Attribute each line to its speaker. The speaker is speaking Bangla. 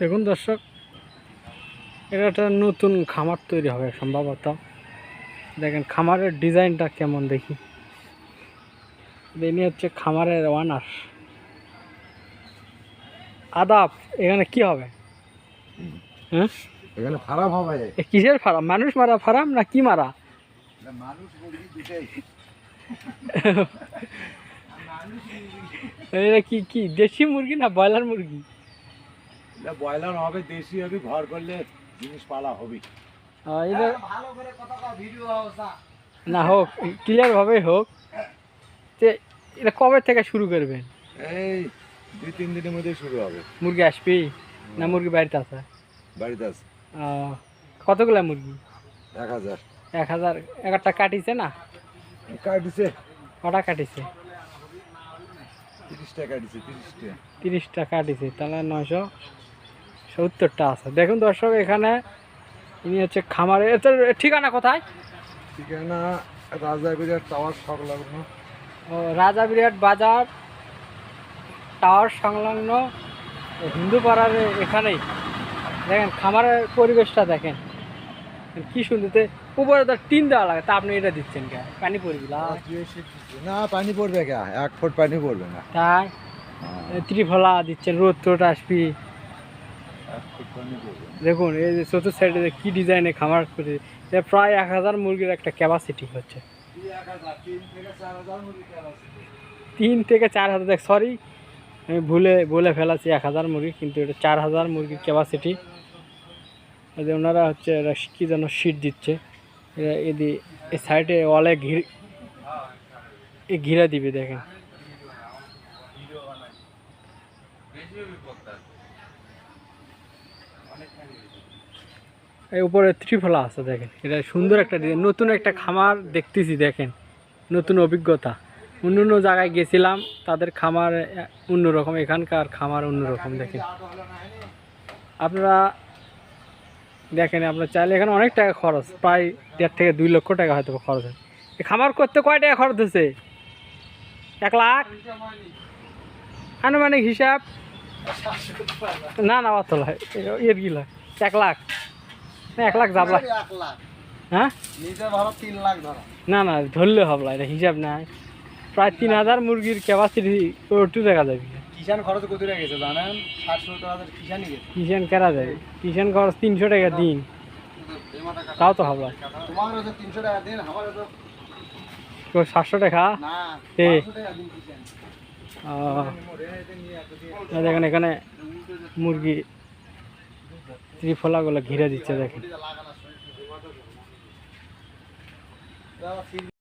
Speaker 1: দেখুন দর্শক, এটা একটা নতুন খামার তৈরি হবে সম্ভবত। দেখেন খামারের ডিজাইনটা কেমন দেখি। ইনি হচ্ছে খামারের ওয়ানার। আদাব, এখানে কি হবে? হ্যাঁ,
Speaker 2: এখানে ফার্ম হবে।
Speaker 1: কিসের ফার্ম? মানুষ মারা ফার্ম না কি মারা?
Speaker 2: মানুষ মুরগি দুটাই।
Speaker 1: এটা কি কি দেশি মুরগি না ব্রয়লার মুরগি?
Speaker 2: ব্রয়লার হবে, দেশি হবে, ঘর করলে জিনিস পালা হবে।
Speaker 1: এটা
Speaker 2: ভালো করে কথা ভিডিও
Speaker 1: না হোক, ক্লিয়ার ভাবে হোক। যে এটা কবে থেকে শুরু করবেন?
Speaker 2: এই 2-3 দিনের মধ্যে শুরু হবে।
Speaker 1: মুরগি আসবি না মুরগি বাড়িতে আছে?
Speaker 2: বাড়িতে আছে।
Speaker 1: কতগুলা মুরগি?
Speaker 2: 1000।
Speaker 1: 1000? একটা কাটিছে না?
Speaker 2: কাটিছে।
Speaker 1: কটা কাটিছে?
Speaker 2: 30 টাকা কাটিছে। 30 টাকা।
Speaker 1: 30টা কাটিছে, তাহলে 970টা আছে। দেখুন দর্শক, এখানে ইনি হচ্ছে খামারে। ঠিকানা কোথায়?
Speaker 2: ঠিকানা রাজাবিরাট টাওয়ার সংলগ্ন।
Speaker 1: ও, রাজা বিরাট বাজার টাওয়ার সংলগ্ন হিন্দু পাড়ার এখানেই। দেখেন খামারের পরিবেশটা দেখেন কি সুন্দর। উপরে তো টিন দেওয়া লাগে, তা আপনি এটা দিচ্ছেন কে? পানি পড়বি
Speaker 2: না, পানি পড়বে কে? 1 ফুট পানি পড়বে না।
Speaker 1: তাই ত্রিফলা দিচ্ছেন, রোদ টোদ আসবি।
Speaker 2: 1 ফুট পানি পড়বে।
Speaker 1: দেখুন এই যে চতুর্থ সাইডে কি ডিজাইনে খামার করে, প্রায় 1000 মুরগির একটা ক্যাপাসিটি হচ্ছে। 3 থেকে 4000। দেখ সরি, আমি বলে ফেলাছি 1000 মুরগি, কিন্তু এটা 4000 মুরগির ক্যাপাসিটি। ওনারা হচ্ছে কি যেন শীট দিচ্ছে। এই সাইডে ওয়ালে ঘিরে দিবে। দেখেন এই উপরে ত্রিফলা আছে। দেখেন এটা সুন্দর একটা ডিজাইন, নতুন একটা খামার দেখতেছি। দেখেন নতুন অভিজ্ঞতা। অন্য জায়গায় গেছিলাম, তাদের খামার অন্যরকম, এখানকার খামার অন্যরকম। দেখেন আপনারা দেখেন, আপনার চাইলে এখানে অনেক টাকা খরচ, প্রায় 1.5 থেকে 2 লক্ষ টাকা হয়তো খরচ হয়। এই খামার করতে কয় টাকা খরচ হচ্ছে? 1 লাখ আনুমানিক হিসাব? না না, অত নয়, এর কি লয়? 1 লাখ না, 1 লাখ যাবলা। হ্যাঁ, না না, ধরলে হবে, এটা হিসাব নাই। প্রায় 3000 মুরগির ক্যাপাসিটি একটু দেখা যাবে।
Speaker 2: কিষান খরচ কত টাকা গেছে জানেন? 700,000 কিষানই গেছে।
Speaker 1: কিষান কেনা যাবে? কিষান খরচ 300 টাকা দিন, তাও তো হবে।
Speaker 2: তোমার হচ্ছে 300 টাকা দিন, আমার হচ্ছে
Speaker 1: 700 টাকা।
Speaker 2: না,
Speaker 1: এ
Speaker 2: 500 টাকা দিন কিষান।
Speaker 1: দেখেন এখানে মুরগি ত্রিফলাগুলো ঘিরে দিচ্ছে। দেখেন